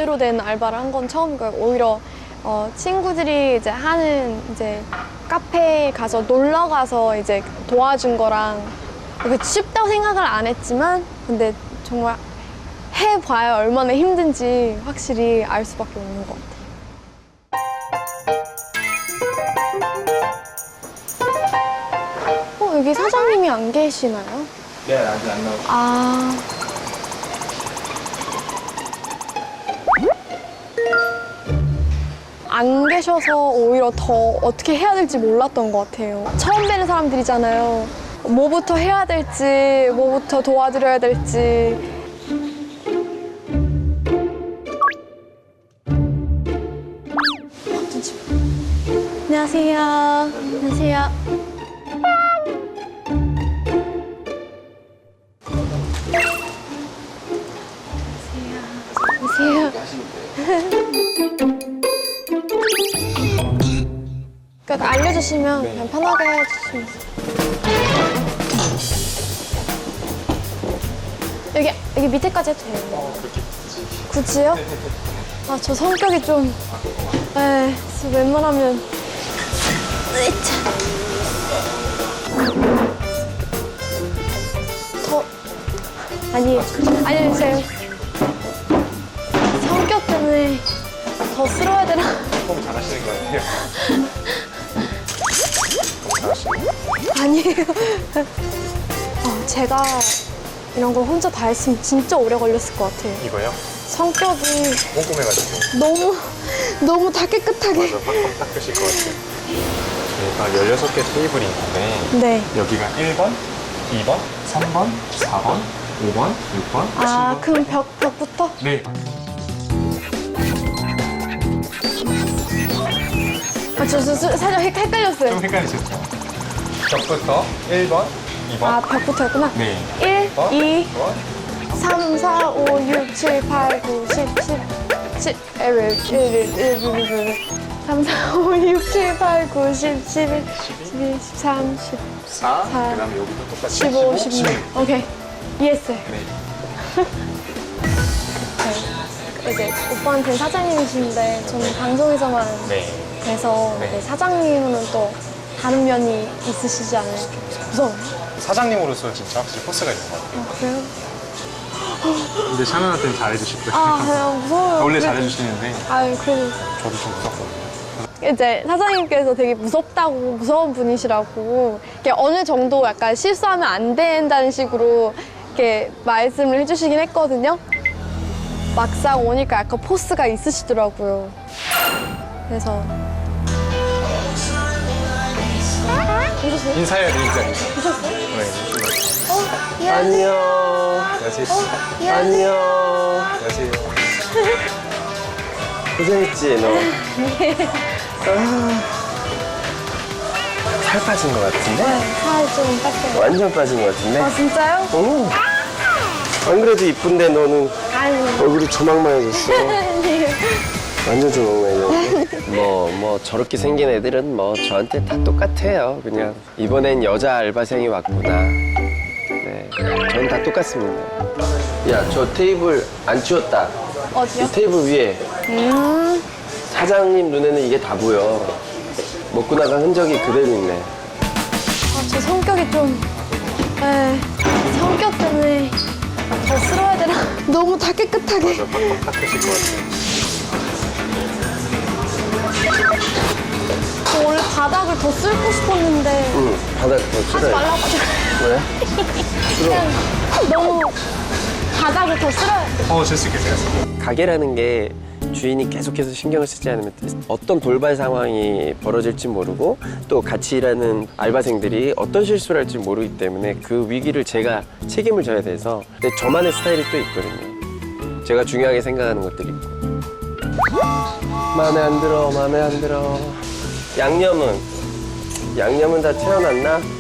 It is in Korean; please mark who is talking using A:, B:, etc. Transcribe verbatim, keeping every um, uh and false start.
A: 제대로 된 알바를 한 건 처음이고요. 오히려 어, 친구들이 이제 하는 이제 카페에 가서 놀러 가서 이제 도와준 거랑 그게 쉽다고 생각을 안 했지만 근데 정말 해봐야 얼마나 힘든지 확실히 알 수밖에 없는 것 같아요. 어, 여기 사장님이 안 계시나요?
B: 네, 아직 안 나오고.
A: 아. 안 계셔서 오히려 더 어떻게 해야 될지 몰랐던 것 같아요. 처음 뵈는 사람들이잖아요. 뭐부터 해야 될지, 뭐부터 도와드려야 될지. 안녕하세요. 안녕하세요. 안녕하세요. 그러니까 알려주시면
B: 네.
A: 그냥 편하게 해주시면 여기 여기 밑에까지 해도 돼요.
B: 어, 그렇게.
A: 굳이요? 아, 저 성격이 좀, 에, 웬만하면 으이차. 더 아니 아니 제 성격 때문에 더 쓸어야 되나?
B: 너무 잘하시는 거 같아요. 너무 잘하시는 거.
A: 아니에요. 어, 제가 이런 걸 혼자 다 했으면 진짜 오래 걸렸을 것 같아요.
B: 이거요?
A: 성격이
B: 꼼꼼해가지고.
A: 너무 너무 다 깨끗하게.
B: 맞아, 팍팍 닦으실 것 같아요. 저희가 열여섯 개 테이블이 있는데
A: 네.
B: 여기가 일 번, 이 번, 삼 번, 사 번, 오 번, 육 번,
A: 아,
B: 칠 번.
A: 그럼 벽, 벽부터?
B: 네.
A: 아, 저, 저, 저 살짝 헷- 헷갈렸어요.
B: 좀 헷갈리셨죠? 벽부터 일 번, 이 번.
A: 아, 벽부터였구나.
B: 네.
A: 일,
B: 번,
A: 이,
B: 번.
A: 삼, 사, 오, 육, 칠, 팔, 구, 십, 십, 칠, 일, 일, 일, 일, 일, 삼, 사, 오, 육, 칠, 팔, 구, 십, 십일, 십이, 십삼,
B: 사,
A: 사,
B: 그다음에 여기도 똑같이
A: 십오, 십육. 오케이. 이해했어요.
B: 네.
A: 네. 이제 오빠한테는 사장님이신데 저는 방송에서만
B: 네.
A: 뵈서
B: 네.
A: 네, 사장님은 또 다른 면이 있으시지 않을까. 무서워요?
B: 사장님으로서 진짜 확실히 포스가 있는 것 같아요.
A: 아, 그래요?
B: 근데 샤넬한테는 잘해주실 거예요.
A: 아, 그냥 무서워요.
B: 원래
A: 그래-
B: 잘해주시는데
A: 아유, 그래도.
B: 저도 좀 무섭거든요.
A: 이제 사장님께서 되게 무섭다고, 무서운 분이시라고, 이렇게 어느 정도 약간 실수하면 안 된다는 식으로 이렇게 말씀을 해주시긴 했거든요. 막상 오니까 약간 포스가 있으시더라고요. 그래서. 보셨어요?
B: 인사해야 되니까 인사.
A: 보셨어요?
B: 네,
A: 어, 안녕하세요.
C: 안녕.
B: 안녕하세요.
A: 안녕하세요.
C: 안녕.
B: 안녕하세요.
C: 고생했지, 너?
A: 네.
C: 아, 살 빠진 것 같은데?
A: 살좀 뺄게요.
C: 완전 빠진 것 같은데?
A: 아, 진짜요?
C: 응. 안 그래도 이쁜데 너는
A: 아니.
C: 얼굴이 조망만해졌어. 완전 조망만해졌어. 뭐, 뭐, 저렇게 생긴 애들은 뭐 저한테 다 똑같아요. 그냥 이번엔 여자 알바생이 왔구나. 네, 전 다 똑같습니다. 야, 저 테이블 안 치웠다.
A: 어디요?
C: 이 테이블 위에
A: 음.
C: 사장님 눈에는 이게 다 보여. 먹고 나간 흔적이 그대로 있네.
A: 아, 저 성격이 좀, 에, 성격 때문에 더 쓸어야 되나? 너무 다 깨끗하게.
B: 저 팍팍 닦으실 것 같아요.
A: 저 원래 바닥을 더 쓸고 싶었는데
C: 응, 바닥 더
A: 하지
C: 쓸어야 돼.
A: 말라고 하더라고요.
C: 왜?
A: 그냥 너무 바닥을 더 쓸어야 돼.
B: 어, 질 수 있겠어요.
C: 가게라는 게 주인이 계속해서 신경을 쓰지 않으면 어떤 돌발 상황이 벌어질지 모르고 또 같이 일하는 알바생들이 어떤 실수를 할지 모르기 때문에 그 위기를 제가 책임을 져야 돼서 근데 저만의 스타일이 또 있거든요. 제가 중요하게 생각하는 것들이 있고. 마음에 안 들어, 마음에 안 들어. 양념은? 양념은 다 태어났나?